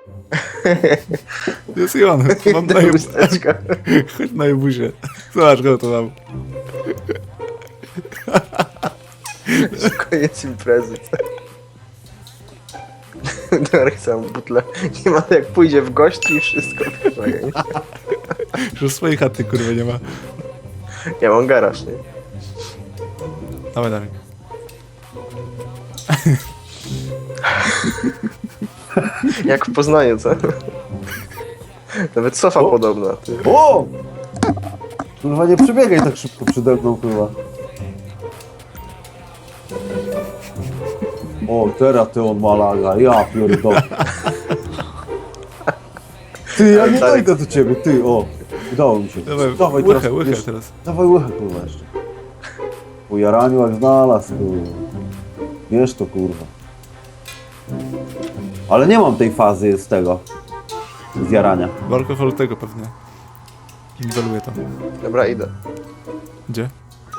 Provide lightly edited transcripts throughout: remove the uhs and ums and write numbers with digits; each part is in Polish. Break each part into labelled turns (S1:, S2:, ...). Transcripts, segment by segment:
S1: Jest i on. Mam na
S2: Chusteczka.
S1: Chodź na jebusie. Zobacz, go to mam.
S2: Koniec imprezy. Darek sam butle. Nie ma jak pójdzie w gości i wszystko.
S1: Już swojej chaty, kurwa, nie ma.
S2: Ja mam garaż, nie?
S1: Dawaj, dawaj.
S2: Jak w Poznaniu, co? Nawet sofa podobna. Ty.
S3: O! Kurwa, nie przebiegaj tak szybko przede mną, kurwa. O, teraz ty on ma laga, ja pierdolę. Ty, ja nie dojdę do ciebie, ty, o. Udało mi się.
S1: Dawaj,
S3: teraz,
S1: łychę
S3: wiesz,
S1: teraz.
S3: Dawaj łychę, kurwa, jeszcze. Po jaraniu jak znalazł, kurwa. Wiesz to, kurwa. Ale nie mam tej fazy z tego. Z jarania.
S1: W alkoholu tego pewnie. Niweluję to.
S2: Dobra, idę.
S1: Gdzie?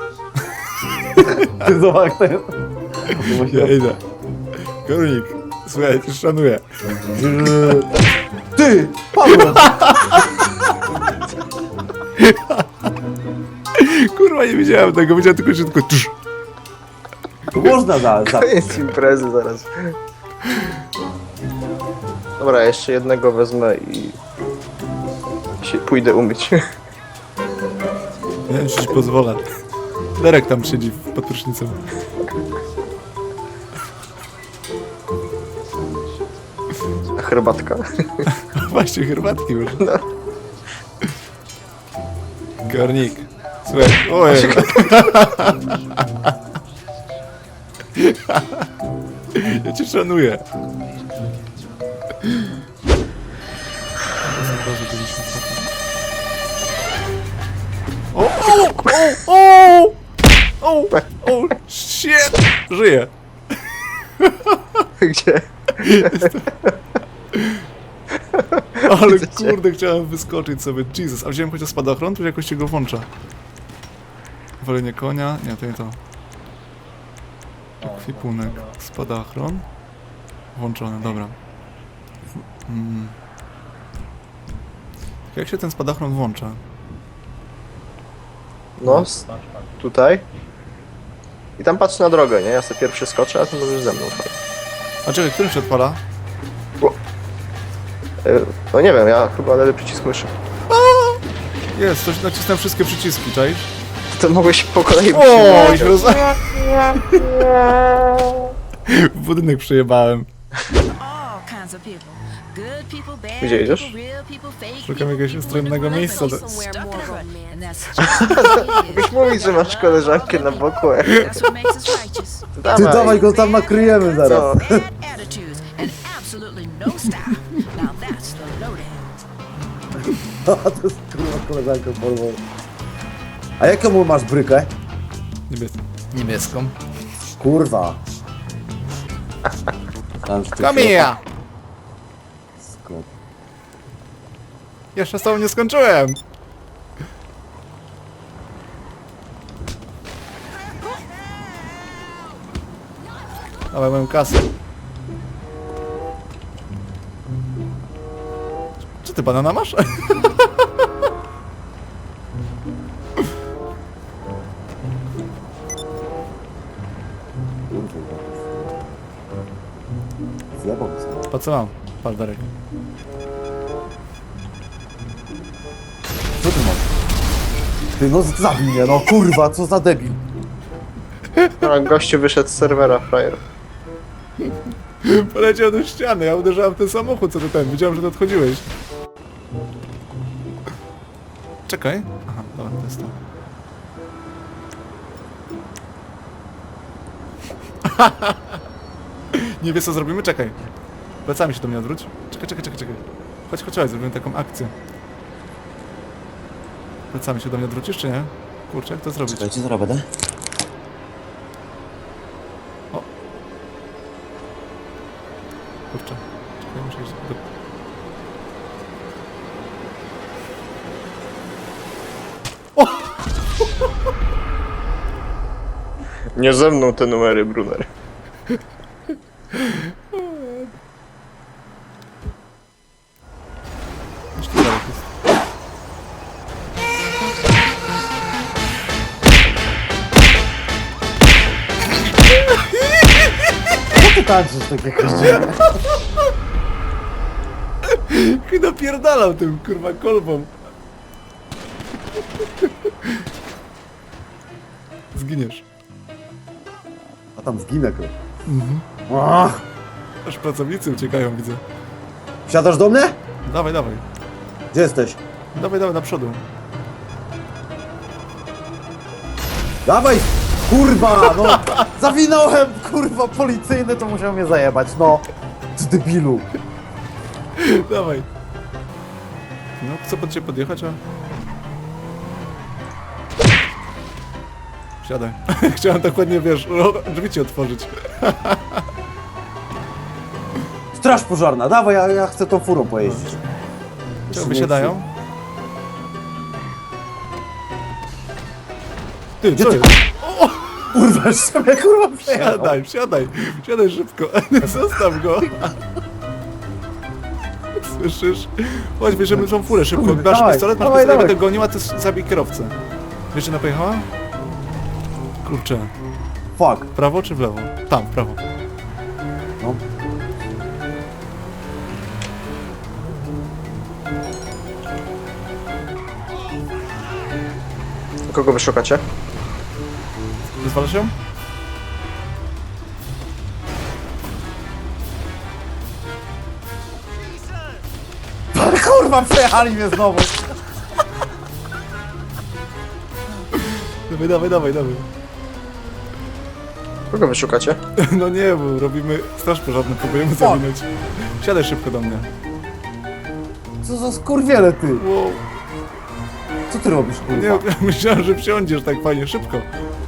S3: Ty zobacz, jak to jest.
S1: Ja idę. Kornik, słuchaj, cię szanuję.
S3: Ty! Paweł!
S1: Kurwa, nie widziałem tego, widziałem tylko, że tylko tusz.
S3: To można za...
S2: Koniec imprezy zaraz. Dobra, jeszcze jednego wezmę i... się pójdę umyć.
S1: Nie wiem, czy ci pozwolę. Derek tam siedzi pod prysznicem.
S2: A herbatka.
S1: Właśnie, herbatki już. Kornik, słuchaj, ojej. Ja cię szanuję. O, o, o, o, o, shit, żyję.
S2: Gdzie?
S1: Ale
S2: Widzę cię.
S1: kurde, chciałem wyskoczyć sobie, Jesus, a wziąłem chociaż spadochron, to jakoś się go włącza. Walenie konia, nie, to nie to. Ekwipunek, spadochron. Włączony, dobra. Jak się ten spadochron włącza?
S2: No, tutaj. I tam patrz na drogę, nie? Ja sobie pierwszy skoczę, a ty możesz ze mną.
S1: A czekaj, którym się odpala?
S2: No nie wiem, ja chyba lewy przycisk myszy.
S1: Jest, coś nacisnąłem wszystkie przyciski, czaisz?
S2: To mogłeś po kolei
S1: O,
S2: przyjmować.
S1: się w budynek przejebałem.
S2: Gdzie idziesz?
S1: Szukam jakiegoś ustronnego miejsca.
S2: Mógłbyś mówić, że masz koleżankę na boku.
S3: Ty dawaj go tam nakryjemy zaraz.
S2: No.
S3: A to jest kurwa koleżanka porwą. A jaką masz brykę?
S1: Niebieską.
S3: Kurwa.
S1: Kamija!
S3: Skąd?
S1: Jeszcze z tobą nie skończyłem! Dawaj moją kasę. Czy ty banana masz?
S3: Zjebał mi
S1: Po co mam? Patrz, Darek.
S3: Co ty masz? Ty no zabij mnie, no kurwa, co za debil.
S2: No, gościu wyszedł z serwera, frajer.
S1: Poleciał do ściany, ja uderzałem w ten samochód, co ty ten, widziałem, że ty odchodziłeś. Czekaj. Aha, dobra, to jest to. Nie wiesz co zrobimy? Czekaj. Plecami się do mnie odwróć. Czekaj. Chodź, zrobimy taką akcję. Plecami się do mnie odwrócisz, czy nie? Kurczę, jak to zrobić?
S4: Czekajcie, zaraz będę.
S1: Kurczę. Czekaj, muszę iść do...
S2: Nie ze mną te numery, Brunner.
S1: Jeszcze dalej jest.
S3: Co ty tańczysz takie koździny?
S1: Napierdalał tym kurwa kolbą. Zginiesz.
S3: A tam zginę, kurwa.
S1: Mhm.
S3: Ach,
S1: Aż pracownicy uciekają, widzę.
S3: Wsiadasz do mnie?
S1: Dawaj, dawaj.
S3: Gdzie jesteś?
S1: Dawaj, dawaj, na przodu.
S3: Dawaj! Kurwa, no! Zawinąłem, kurwa, policyjny, to musiał mnie zajebać, no! Ty debilu!
S1: Dawaj. No, chcę pod ciebie podjechać, a... Wsiadaj. Chciałem tak ładnie, wiesz, drzwi ci otworzyć.
S3: Straż pożarna, dawaj, ja chcę tą furą pojeździć.
S1: Czego wysiadają? Ty,
S3: Gdzie
S1: co
S3: ty-
S1: jest?
S3: Kurwa, już sobie kurwa przejechał.
S1: Siadaj, siadaj. Siadaj szybko. Zostaw go. Słyszysz? Chodź, bierzemy tą furę szybko.
S3: Kurde,
S1: Masz
S3: dawaj,
S1: pistolet, masz
S3: dawaj,
S1: pistolet,
S3: dawaj.
S1: będę gonił, a ty zabij kierowcę. Wiesz, gdzie ona pojechała? Kurczę.
S3: Fuck.
S1: W prawo czy w lewo? Tam, w prawo.
S3: No.
S2: Kogo wy szukacie?
S1: Wyzwalasz ją?
S3: Kurwa, przejechali mnie znowu.
S1: Dawaj, dawaj, dawaj, dawaj.
S2: Kogo wy szukacie?
S1: No nie, bo robimy straż pożarną, próbujemy zawinąć. Siadaj szybko do mnie.
S3: Co za skurwiele, ty?
S1: Wow.
S3: Co ty robisz,
S1: Nie,
S3: kurwa?
S1: myślałem, że wsiądziesz tak fajnie, szybko.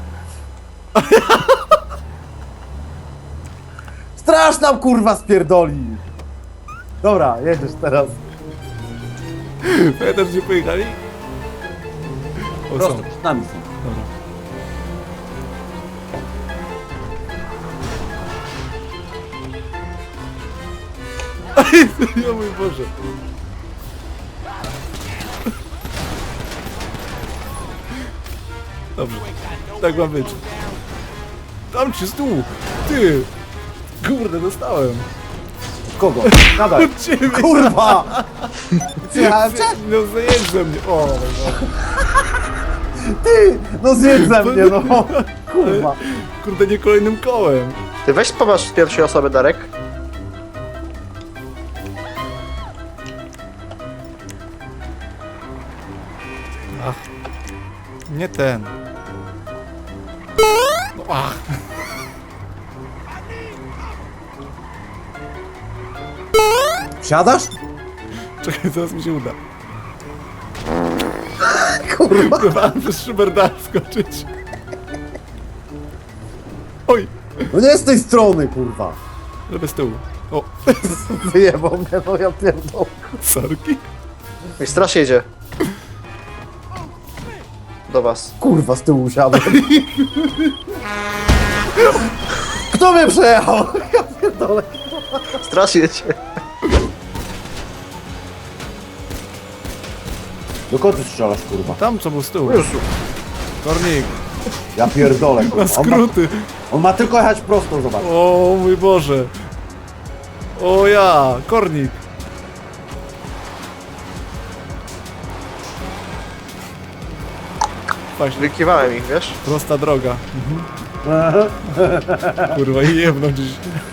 S3: Straż nam, kurwa, spierdoli. Dobra, jedziesz teraz.
S1: Pamiętasz, gdzie pojechali? O,
S3: Prosto
S1: są.
S3: przed nami są.
S1: Dobra. Ja mój Boże. Dobrze. Tak ma być. Tam ci stół. Ty. Kurde, dostałem.
S3: Kogo? Nadaj.
S1: Od ciebie.
S3: Kurwa! Przyjechałem cię?
S1: No zajedź ze mnie. O, mój Boże.
S3: Ty! No zjedz ze mnie, no! Kurwa.
S1: Kurde, nie kolejnym kołem.
S2: Ty weź popatrz z pierwszej osoby, Darek.
S1: Ach. Nie ten. No, ach.
S3: Wsiadasz?
S1: Czekaj, zaraz mi się uda.
S3: Kurwa.
S1: Chyba przez szybę da skoczyć. Oj,
S3: No nie z tej strony, kurwa.
S1: żeby z tyłu. O,
S3: Wyjebał mnie, no ja pierdolę.
S1: sorki.
S2: I straż jedzie. Do was.
S3: Kurwa, z tyłu usiadłem. Kto mnie przejechał? Ja pierdolę.
S2: Straż jedzie.
S3: Do kogo ty strzelasz, kurwa?
S1: Tam co był z tyłu.
S2: Jezu.
S1: Kornik,
S3: Ja pierdolę,
S1: na
S3: kurwa.
S1: skróty.
S3: On ma tylko jechać prosto, zobacz.
S1: O mój Boże. O ja, kornik. Właśnie,
S2: Wykiwałem ich, wiesz?
S1: prosta droga. Kurwa, i jebną gdzieś.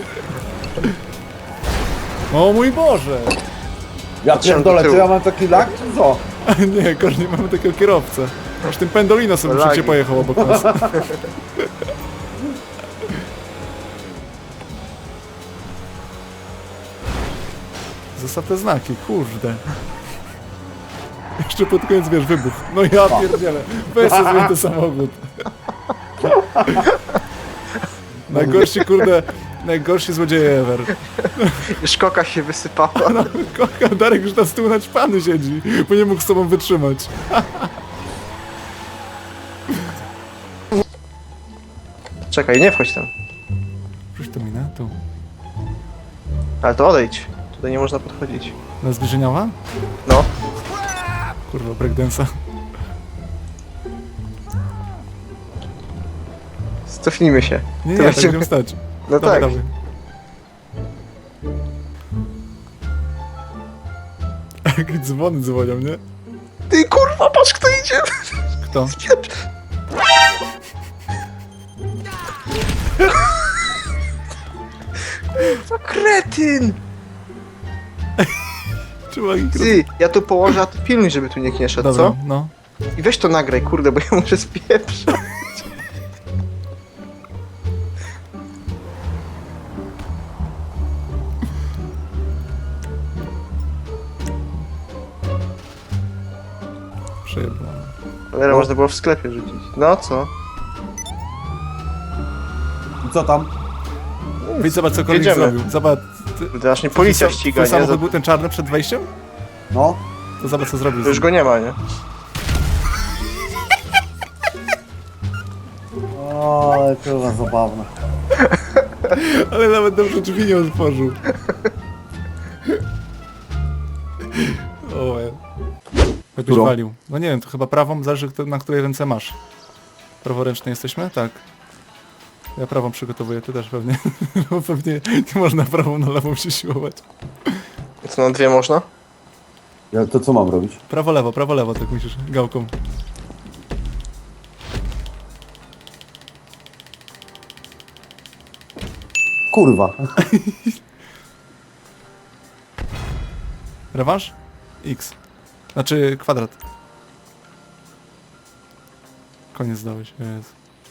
S1: O mój Boże.
S3: Ja pierdolę, czy ja mam taki lak, czy co?
S1: Nie, Kornik, mamy takiego kierowcę. Aż tym pendolino sobie
S2: Lagi.
S1: przecież pojechał obok nas. Zostaw te znaki, kurde. Jeszcze pod koniec, wiesz, wybuch. No ja pierdzielę. Weź sobie ten samochód. Najgorsi, kurde, najgorsi złodzieje ever.
S2: Już koka się wysypała.
S1: No, kocha, Darek już na stół naćpany siedzi, bo nie mógł z tobą wytrzymać.
S2: Czekaj, nie wchodź tam.
S1: Rzuć to minę, tu.
S2: Ale to odejdź. Tutaj tutaj nie można podchodzić.
S1: Na zbliżeniowa?
S2: No.
S1: Kurwa, breakdance'a.
S2: Cofnijmy się.
S1: Nie,
S2: To
S1: nie, tak
S2: będziemy-
S1: będziemy stać.
S2: No
S1: Dawaj,
S2: tak.
S1: dawaj. Jak dzwony dzwonią, nie?
S2: Ty kurwa, patrz kto idzie!
S1: Kto?
S2: To kretyn!
S1: Trzeba ich
S2: Ty, ja tu położę, a ty pilnuj, żeby tu nikt nie szedł,
S1: Dobra,
S2: co?
S1: no.
S2: I weź to nagraj, kurde, bo ja muszę spieprzać.
S1: Przejebane.
S2: Ale można było w sklepie rzucić. No co?
S3: I co tam?
S1: Wyjdź, zobacz co koleś
S2: Jedziemy.
S1: zrobił. Zobacz. Ty,
S2: Kurde, aż mnie policja ściga,
S1: twój
S2: nie?
S1: samochód był ten czarny przed wejściem?
S3: No.
S1: To zobacz co zrobił.
S2: To już go nie ma, nie?
S3: O, ale kurwa zabawne.
S1: Ale nawet dobrze drzwi nie otworzył. O, jakbyś
S3: Którą?
S1: walił. No nie wiem, to chyba prawą, zależy na której ręce masz. Praworęczny jesteśmy? Tak. Ja prawą przygotowuję, ty też pewnie. Bo pewnie nie można prawą na lewą się siłować.
S2: Co, na dwie można?
S3: Ja, to co mam robić?
S1: Prawo, lewo, tak musisz gałką.
S3: Kurwa.
S1: Rewanż? X. Znaczy kwadrat. Koniec dałeś, jest.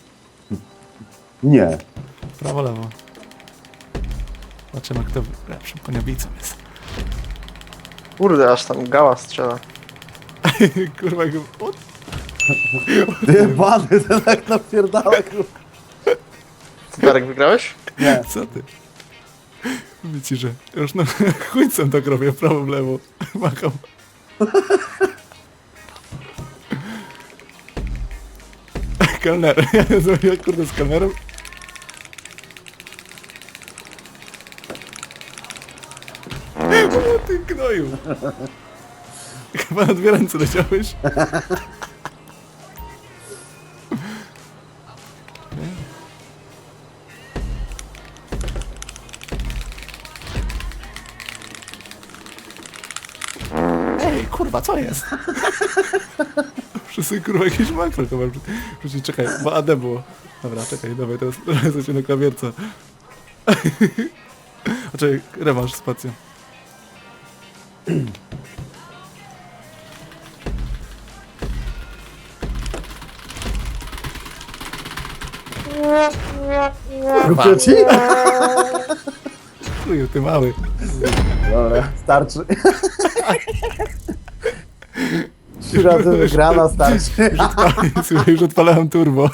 S3: Nie.
S1: Prawo, lewo. Zobaczymy kto lepszym koniobicą jest.
S2: Kurde, aż tam gała strzela.
S1: Kurwa, jak... O,
S3: Ty bany, ten jak napierdala, kurwa.
S2: Co, Darek, wygrałeś?
S3: Nie.
S1: co ty? Mówię ci, że już no chuńcem tak robię, prawo, w lewo. Macham. Kelner. Ja zrobiłem kurde z kelnerem. O ty gnoju. Chyba na dwie ręce leciałeś. Ej, kurwa, co jest? Wszyscy kurwa jakieś makro chyba wrzucić. Czekaj, bo AD było. Dobra, czekaj, dawaj, teraz jesteśmy na klawierce. A czekaj, rewanż, spacja.
S3: Kupię ci?
S1: Chuju, ty mały.
S3: Dobra, starczy. 3 razy wygrana, starczy.
S1: Słuchaj, już odpalałem turbo.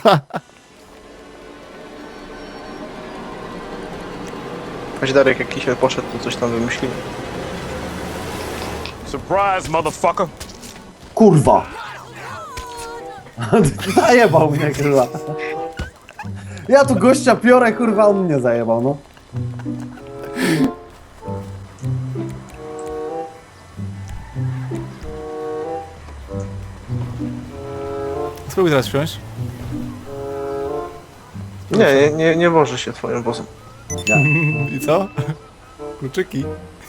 S2: Choć Darek jak kisiel poszedł, to coś tam wymyślimy.
S4: Surprise, motherfucker!
S3: Kurwa. Zajebał mnie, kurwa. Ja tu gościa piorę, kurwa, on mnie zajebał, no.
S1: Spróbuj teraz wsiąść.
S2: Nie woży się twoim wozem.
S1: I co? Kluczyki.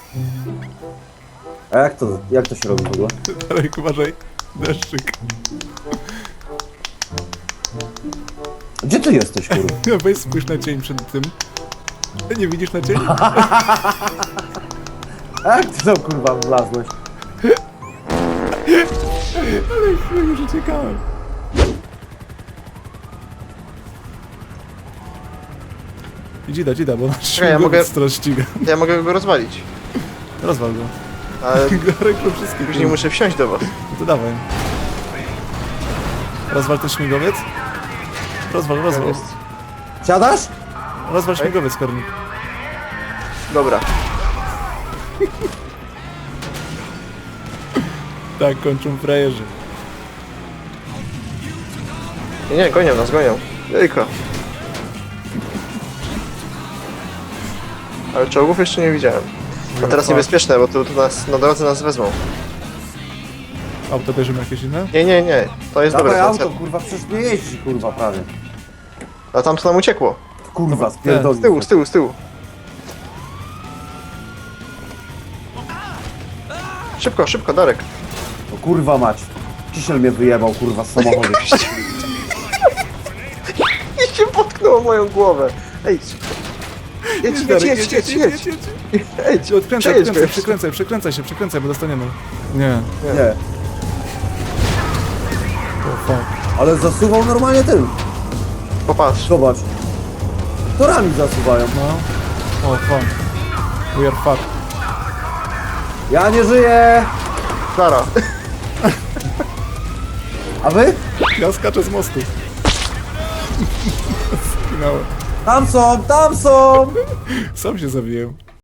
S3: A jak to się robi w ogóle?
S1: Darek, uważaj. Deszczyk.
S3: Gdzie ty jesteś, kurwa?
S1: No weź spójrz na cień przed tym. Nie widzisz na cień?
S3: A jak ty tam, kurwa, wlazłeś?
S1: Ale chwilę już uciekałem. Dzida, bo nasz
S2: Czekaj, ja mogę-
S1: teraz ściga.
S2: Ja mogę go rozwalić.
S1: Rozwal go.
S2: Ale
S1: Darek to wszystkie.
S2: później muszę wsiąść do was.
S1: No to dawaj. Rozwal ten śmigłowiec. Rozwal.
S2: Jest.
S3: Siadasz?
S1: Rozwal śmigłowiec, Kornik.
S2: Dobra.
S1: Tak, kończą frajerzy.
S2: Nie, gonią nas, gonią. Jejka. Ale czołgów jeszcze nie widziałem. A teraz niebezpieczne, bo tu nas, na drodze nas wezmą.
S1: Auto bierzemy jakieś inne?
S2: Nie, to jest
S3: Dawaj
S2: dobre.
S3: auto, kurwa, przecież nie jeździ, kurwa, prawie.
S2: A tam to nam uciekło.
S3: Kurwa,
S1: Z
S3: spierdolił.
S2: Z tyłu. Szybko, Darek.
S3: O kurwa mać. Kisiel mnie wyjebał, kurwa, z samochodu.
S2: I się potknął o moją głowę. Ej, jedź. Ej,
S1: Odkręcaj,
S2: przejedź go jeszcze.
S1: przekręcaj, bo dostaniemy. Nie.
S3: Nie,
S1: O fuck.
S3: ale zasuwał normalnie tym.
S2: Popatrz.
S3: Zobacz. Torami zasuwają.
S1: No. O fuck. We are fucked.
S3: Ja nie żyję!
S2: Klara.
S3: A wy?
S1: Ja skaczę z mostu. Skinąłem.
S3: Tam są!
S1: Sam się zabiłem.